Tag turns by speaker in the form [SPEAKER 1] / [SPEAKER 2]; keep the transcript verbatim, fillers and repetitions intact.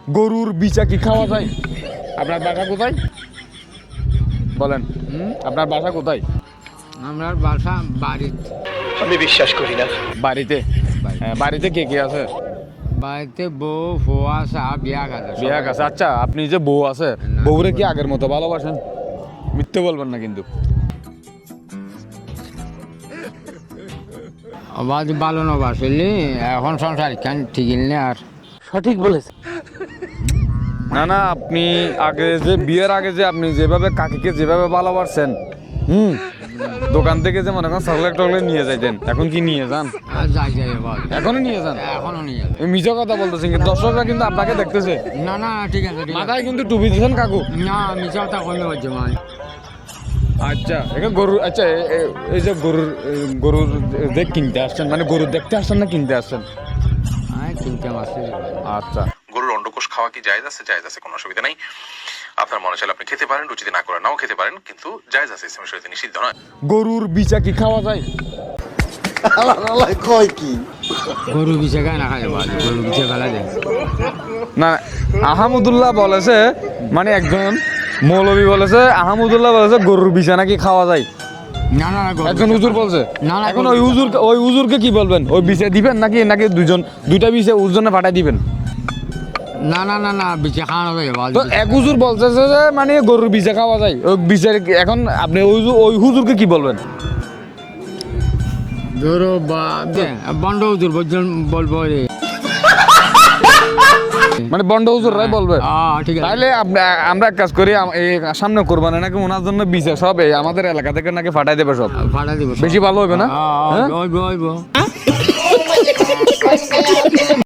[SPEAKER 1] গরুর বিচা কি খাওয়া যায়? আপনার বাসা কোথায় বলেন? আপনার বাসা কোথায়?
[SPEAKER 2] আমার বাসা বাড়িতে।
[SPEAKER 3] আমি বিশ্বাস করি না।
[SPEAKER 1] বাড়িতে? হ্যাঁ, বাড়িতে কে কে আছে?
[SPEAKER 2] বাড়িতে বউ ফো আছে আর বিয়া গেছে।
[SPEAKER 1] বিয়া আছে। আচ্ছা, আপনি যে বউ আছে, বউরে কি আগের মতো ভালোবাসেন? মিথ্যে বলবেন না কিন্তু।
[SPEAKER 2] আবার ভালো না বাসলি এখন সংসার কেন ঠিক নেই আর।
[SPEAKER 3] সঠিক বলেছে।
[SPEAKER 1] না না, আপনি আগে যে বিয়ের আগে যে আপনি যেভাবে কাকিকে যেভাবে ভালোবাসছেন, হুম, দোকান থেকে যে মনে করেন চকলেট টকলেট নিয়ে যাইতেন, এখন কি নিয়ে যান?
[SPEAKER 2] আর যাই যাই এবার
[SPEAKER 1] এখনো নিয়ে যান?
[SPEAKER 2] এখনো নিয়ে যাবে।
[SPEAKER 1] এই মিছা কথা বলতেছেন কিন্তু, দর্শকরা কিন্তু আপনাকে দেখতেছে।
[SPEAKER 2] না না ঠিক আছে ঠিক আছে।
[SPEAKER 1] মাথায় কিন্তু টুপি দিয়েছেন কাকু।
[SPEAKER 2] না মিছা কথা কমে হচ্ছে মানে।
[SPEAKER 1] আচ্ছা, এখানে গরু, আচ্ছা এ- এ- এই যে গরুর এ, গরুর দেখ কিনতে আসছেন, মানে গরু দেখতে আসছেন না কিনতে আসছেন?
[SPEAKER 2] হ্যাঁ কিনতে মাসে।
[SPEAKER 1] আচ্ছা,
[SPEAKER 4] গরুর অন্ডকোষ খাওয়া কি জায়েজ আছে? জায়েজ আছে, কোনো অসুবিধা নেই। আপনার মনে চাইলে আপনি খেতে পারেন, রুচিতে না করে নাও খেতে পারেন, কিন্তু জায়েজ আছে, ইসলামের শরীয়তে নিষিদ্ধ নয়।
[SPEAKER 1] গরুর বিচা কি খাওয়া যায়?
[SPEAKER 3] আল্লাহ কয় কি?
[SPEAKER 2] গরু বিছে গায়ে না খাই যাবো, গরু বিছে ফেলা যায়।
[SPEAKER 1] না, আহমদুল্লাহ বলেছে, মানে একজন মৌলবী বলেছে, আহমদুল্লাহ বলেছে গরুর বিচা নাকি খাওয়া যায়।
[SPEAKER 2] না না না, গরু
[SPEAKER 1] একজন হুজুর বলছে।
[SPEAKER 2] না, না,
[SPEAKER 1] এখন
[SPEAKER 2] গরু
[SPEAKER 1] ওই হুজুর, ওই হুজুরকে কি বলবেন? ওই বিচা দিবেন নাকি নাকি দুজন দুইটা বিচা হুজুরনে পাঠাই দিবেন?
[SPEAKER 2] না না না না বিছে খাওয়ানো যায় এবার।
[SPEAKER 1] তো এক হুজুর বলছে যে মানে গরুর বিচা খাওয়া যায়, ওই বিচার এখন আপনি ওই হু- ওই হুজুরকে কি বলবেন?
[SPEAKER 2] গরু বা বন্ড হুজুর বলছেন বলবো রে।
[SPEAKER 1] মানে বন্ড হুজুর রাই বলবে?
[SPEAKER 2] হ্যাঁ ঠিক আছে।
[SPEAKER 1] তাহলে আপ- আমরা এক কাজ করি, আম- এই সামনে কোরবানি নাকি ওনার জন্য বিচার সব এই আমাদের এলাকা থেকে নাকি পাঠাই দেবে সব।
[SPEAKER 2] ভাড়া দিব
[SPEAKER 1] বেশি ভালো হবে না?
[SPEAKER 2] হ্যাঁ
[SPEAKER 1] হ্যাঁ?
[SPEAKER 2] হইব হইব।